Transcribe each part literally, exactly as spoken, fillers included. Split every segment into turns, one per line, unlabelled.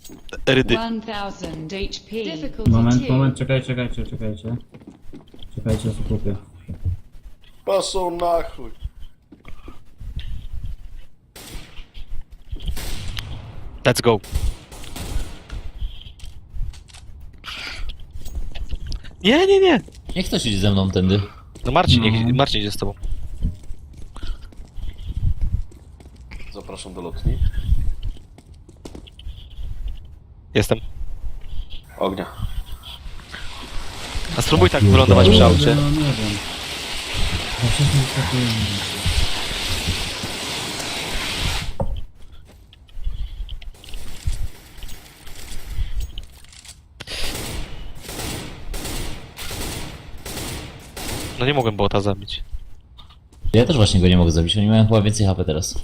Rydy.
ten tysięcy H P. Difficulty
Moment,
two.
moment, czekaj, czekajcie, czekajcie. Czekajcie, skupię.
Paszą na chuj.
Let's go. Nie, nie, nie.
Niech ktoś idzie ze mną tędy.
No Marcin,
No.
niech, Marcin idzie z tobą.
Zapraszam do lotni.
Jestem.
Ognia.
A spróbuj tak wylądować przy aucie.
No nie wiem. Za wcześnie wyskakujemy.
No nie mogłem bota zabić.
Ja też właśnie go nie mogę zabić, oni mają chyba więcej H P teraz.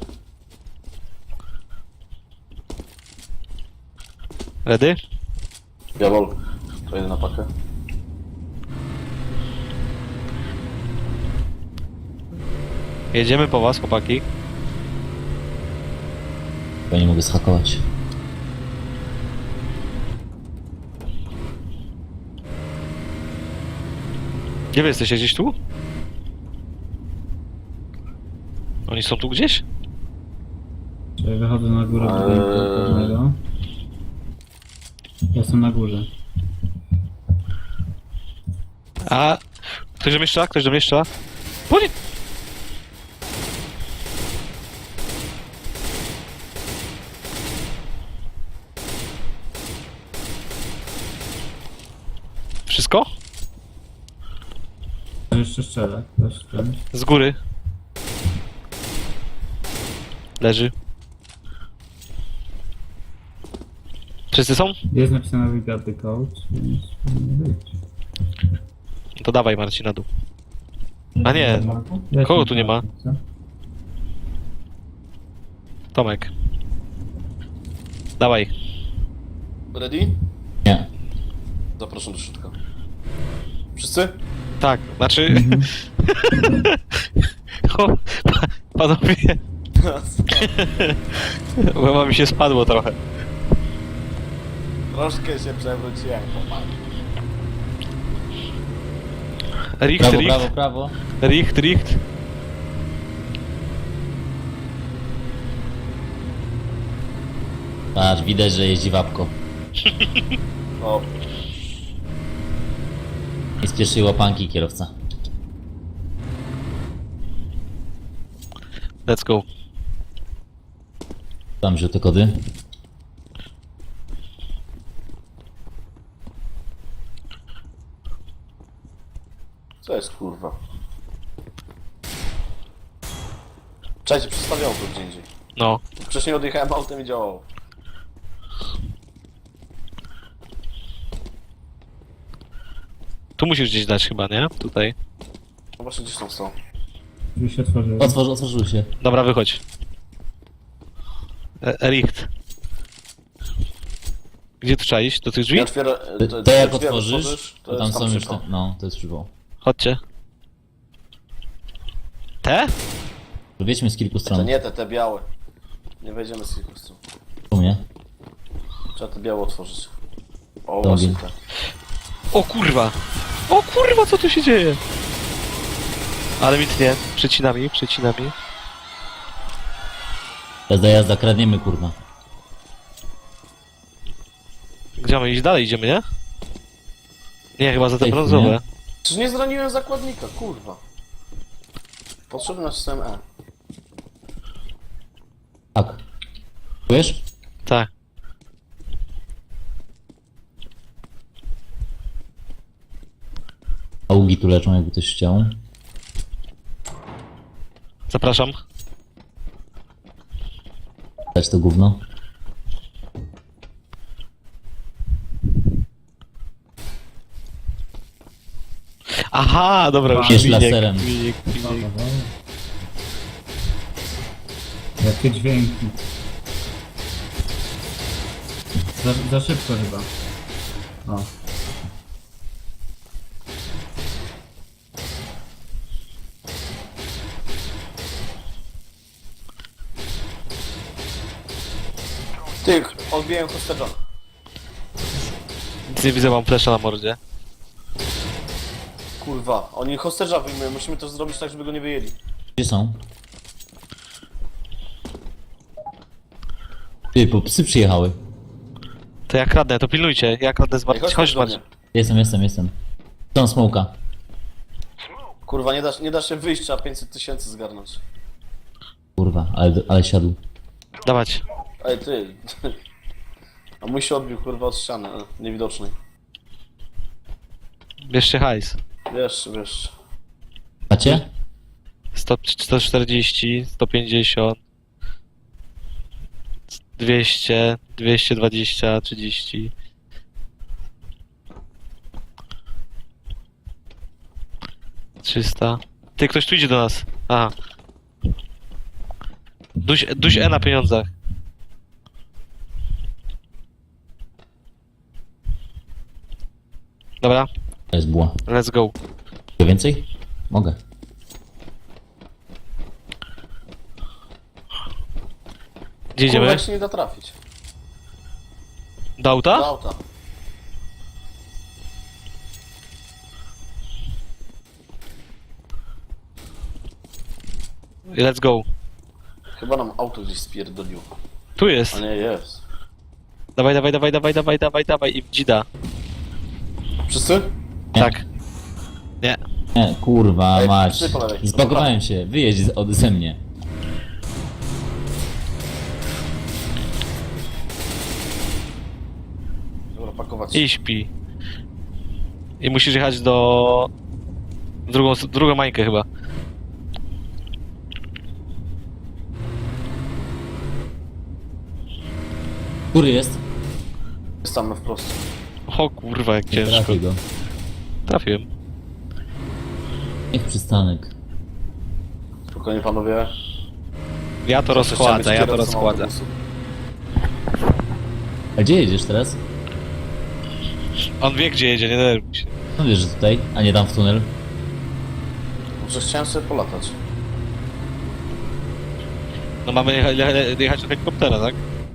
Ready?
Jawol. To jedę na pakę.
Jedziemy po was, chłopaki.
Chyba nie mogę zhakować.
Gdzie wy jesteście? Gdzieś tu? Oni są tu gdzieś?
Czyli wychodzę na górę
Eee.
budynku pewnego. Jestem na górze.
A... Ktoś do mnie strzela? Ktoś do mnie strzela? Bo nie... Wszystko?
Jeszcze strzelę. Ktoś ten.
Z góry. Leży. Wszyscy są?
Jest napisane we got the code, więc powinno być.
To dawaj Marcin na dół. A nie,
Weź
kogo
mi
tu nie ma?
co?
Tomek. Dawaj.
Ready?
Nie.
Zapraszam do środka. Wszyscy?
Tak, znaczy... o, pa- panowie... Chyba mi się spadło trochę.
Troszkę się przewróciłem, chłopak.
Richt,
Prawo,
richt,
prawo, prawo.
richt, richt.
Patrz, widać, że jeździ wapko.
O,
I z pierwszej łapanki kierowca.
Let's go.
Tam żółte kody.
co jest kurwa? Cześć, przestawiało to gdzie indziej.
No.
Wcześniej odjechałem autem i działało.
Tu musisz gdzieś dać chyba, nie? Tutaj.
No właśnie gdzieś tam są.
Drzwi się otworzyły.
Otworzy, otworzył się.
Dobra, wychodź. E, richt. Gdzie tu trzeba iść? Do tych drzwi?
Ja otwiera...
To, to jak
drzwi
otworzysz, to tam
jest
są już
szybko.
te... No, to jest przywoł.
Chodźcie. Te?
Wiedźmy z kilku
To
stron.
nie te, te białe. Nie wejdziemy z kilku stron.
U mnie.
Trzeba te białe otworzyć. O,
Dobrze.
właśnie tak.
O kurwa! O kurwa, co tu się dzieje? Ale mi tnie. Przecinami, przecinami.
Jazda, jazda, kradniemy, kurwa.
Gdzie mamy iść dalej? Idziemy, nie? Nie, chyba za te
Ej,
brązowe.
nie?
Przecież nie zraniłem zakładnika, kurwa. Potrzebny na system E.
Tak. Czujesz?
Tak.
Augi tu leczą, jakby ktoś chciał.
Zapraszam.
Dać to gówno.
Aha, dobra, już
Jest
miniek,
laserem.
miniek, miniek.
Jakie dźwięki. Za, za szybko chyba. O.
Ty, odbiłem hostage'a.
Nic nie widzę, mam flesza na mordzie.
Kurwa, oni hosterza wyjmują, musimy to zrobić tak, żeby go nie wyjęli.
Gdzie są? Ty, bo psy przyjechały.
To ja kradnę, to pilnujcie, ja kradnę z
Ej,
Marcin.
chodź,
Chodź
do mnie.
Marcin.
Jestem, jestem, jestem. Są smoka.
Kurwa, nie da, nie da się wyjść, trzeba pięćset tysięcy zgarnąć.
Kurwa, ale, ale siadł.
Dawać.
Ej, ty. A mój się odbił, kurwa, od ściany, e, niewidocznej.
Bierzcie hajs.
Wiesz, wiesz.
Macie?
sto, sto czterdzieści, sto pięćdziesiąt, dwieście, dwieście dwadzieścia, trzydzieści. trzysta. Ty, ktoś tu idzie do nas. Aha. Duś, duś E na pieniądzach. Dobra,
To jest buła.
let's go.
Chcę więcej? Mogę.
Gdzie
Kurwa,
idziemy?
jak się nie da trafić.
Do auta?
Do auta.
Let's go.
Chyba nam auto gdzieś spierdoliło.
Tu jest.
A nie, jest.
Dawaj, dawaj, dawaj, dawaj, dawaj, dawaj, dawaj i w dzida.
Wszyscy?
Nie.
Tak. Nie.
Nie, kurwa
Ej,
mać.
psy po lewej.
Zbagowałem się, wyjedź z- od ze mnie.
Dobra, pakować.
I śpi. I musisz jechać do... Drugą, drugą mańkę chyba.
Który jest?
Jest tam na wprost.
O kurwa, jak
Nie
ciężko.
trafię go.
Trafiłem.
Niech przystanek.
Spokojnie, panowie.
Ja to
Zawsze
rozchładzę,
chciałem
ja
być
to
kierowcą
rozchładzę.
autobusu.
A gdzie jedziesz teraz?
On wie gdzie jedzie, nie denerwuj się.
No wiesz, że tutaj, a nie tam w tunel.
Może chciałem sobie polatać.
No mamy jecha, jecha- jechać do helikoptera, tak?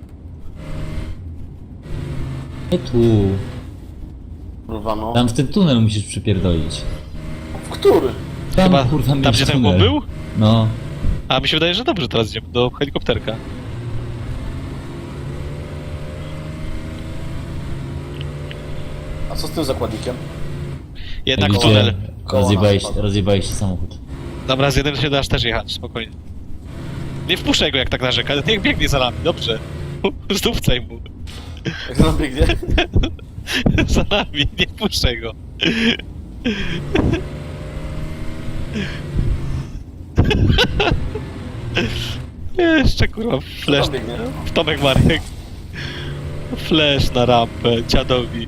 Nie tu.
Kurwa, no.
Tam w ten tunel musisz przypierdolić.
W który?
Tam,
Chyba
kurwa,
tam
mieć
gdzie ten
tunel.
chłop był?
No.
A mi się wydaje, że dobrze teraz idziemy do helikopterka.
A co z tym zakładnikiem?
Jednak
Jak
w tunel.
widzicie,
Koło
Rozjebałeś,
nas padło.
rozjebałeś się samochód.
Dobra, z jednym się dasz też jechać, spokojnie. Nie wpuszczaj go jak tak narzeka, niech biegnie za nami, dobrze. Zdupcaj mu.
Jak nam biegnie?
Za nami, nie wpuszczaj go. Jeszcze kurwa, flash.
tam biegnie?
W Tomek Marek. Flash na rampę, dziadowi.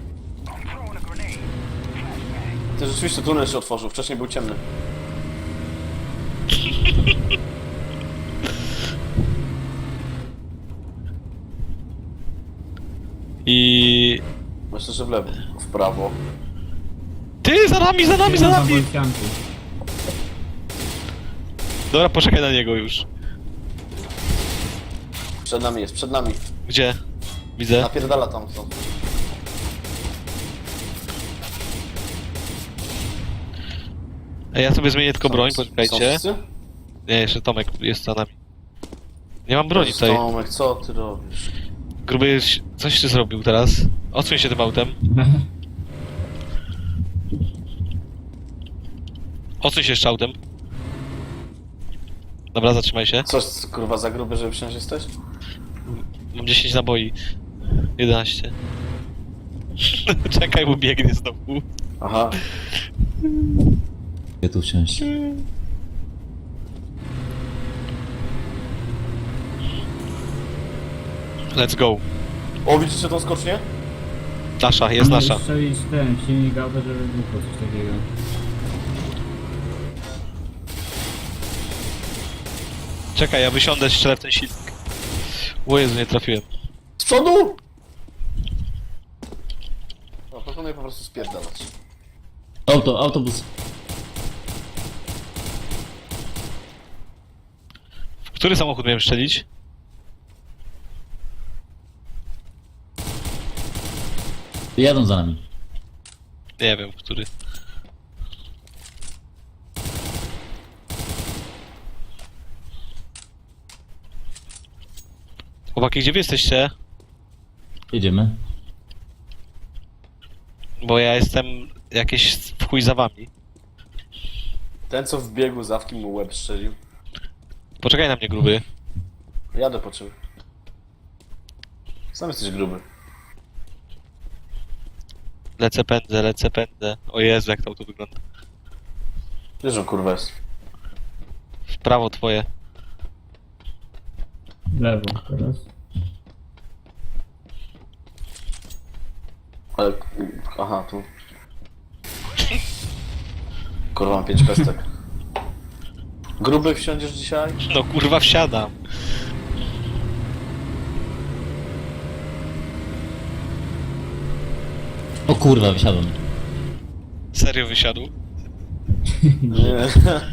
Ty rzeczywiście tunel się otworzył, wcześniej był ciemny.
I...
Myślę, że w lewo. W prawo.
Ty, za nami, za nami, za
Jeden tam
nami!
policjantów.
Dobra, poczekaj na niego już.
Przed nami jest, przed nami.
Gdzie? Widzę.
Napierdala tam co.
Ej, ja sobie zmienię tylko broń,
Są
poczekajcie.
wszyscy?
Nie, jeszcze Tomek jest za nami. Nie mam broni tutaj.
Tomek, co ty robisz?
Gruby, coś ty zrobił teraz. Odsuń się tym autem. Odsuń się jeszcze autem. Dobra, zatrzymaj się.
Coś kurwa za gruby, żeby wsiąść jesteś?
Mam dziesięć naboi. jedenaście. Czekaj, bo biegnie znowu.
Aha.
Gdzie tu wsiąść?
Let's go.
O, widzicie tą skocznię?
Nasza, jest nasza.
Strzelić ten silnik auta, żeby wybuchło coś takiego.
Czekaj, ja wysiądę, strzelę w ten silnik. O Jezu, nie trafiłem.
Z przodu! No, proponuję po prostu spierdalać.
Auto, autobus.
W który samochód miałem strzelić?
Jadą za nami.
Nie wiem, który. Chłopaki, gdzie wy jesteście?
Jedziemy.
Bo ja jestem jakieś w chuj za wami.
Ten co w biegu z awki mu łeb strzelił.
Poczekaj na mnie, gruby.
Jadę po czym. Sam jesteś gruby.
Lecę, pędzę, lecę, pędzę. O Jezu, jak to auto wygląda.
Wiesz, że on kurwa jest.
W prawo twoje.
W lewo teraz.
Ale... Aha, tu. Kurwa, mam pięć pestek. Gruby wsiądziesz dzisiaj?
No kurwa, wsiadam.
O kurwa, wysiadłem.
Serio wysiadł?
Nie.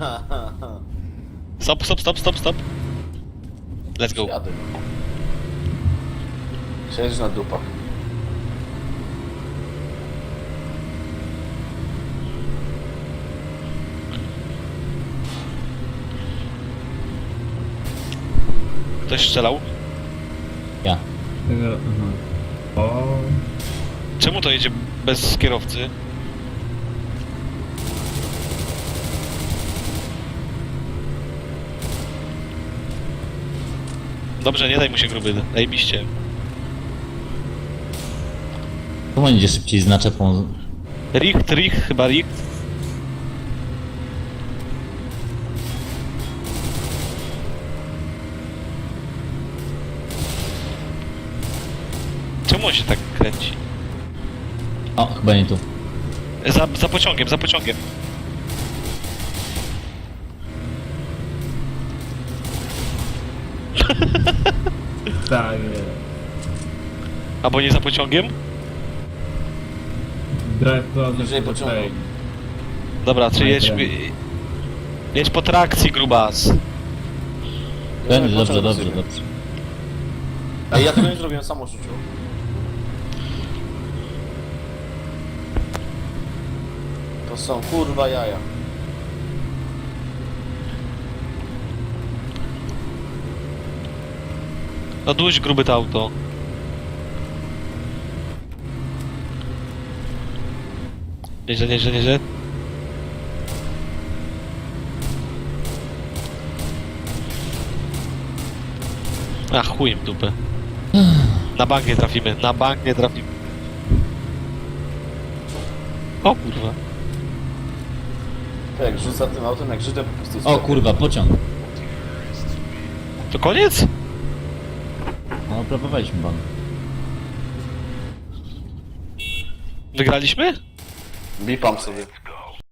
Stop, stop, stop, stop, stop. Let's go.
Jadę. Siedzisz na dupach.
Ktoś strzelał?
Ja.
Tego, aha. O,
Czemu to jedzie bez kierowcy? Dobrze, nie daj mu się gruby, zajebiście.
Czemu on idzie szybciej z naczepą?
Richt, Richt, chyba Richt. Czemu on się tak kręci?
O, chyba nie tu.
Za, za pociągiem, za pociągiem.
tak jest.
Albo nie za pociągiem?
Drive closer
Bliżej
to the
pociągu.
train.
Dobra, czy
My
jedź...
friend.
Jedź po trakcji, grubas.
Będzie,
Ja
dobrze,
pociągu
dobrze,
sobie.
dobrze.
Ej, ja tego nie zrobiłem, sam rzucił. To są kurwa jaja.
No duś gruby to auto. Nieźle, nieźle, nieźle. A chuj w dupę. Na bank nie trafimy, na bank nie trafimy. O kurwa.
To jak rzuca tym autem, jak Żydem po prostu...
O kurwa, pociąg.
To koniec?
No, próbowaliśmy pan.
Wygraliśmy?
Bipam sobie.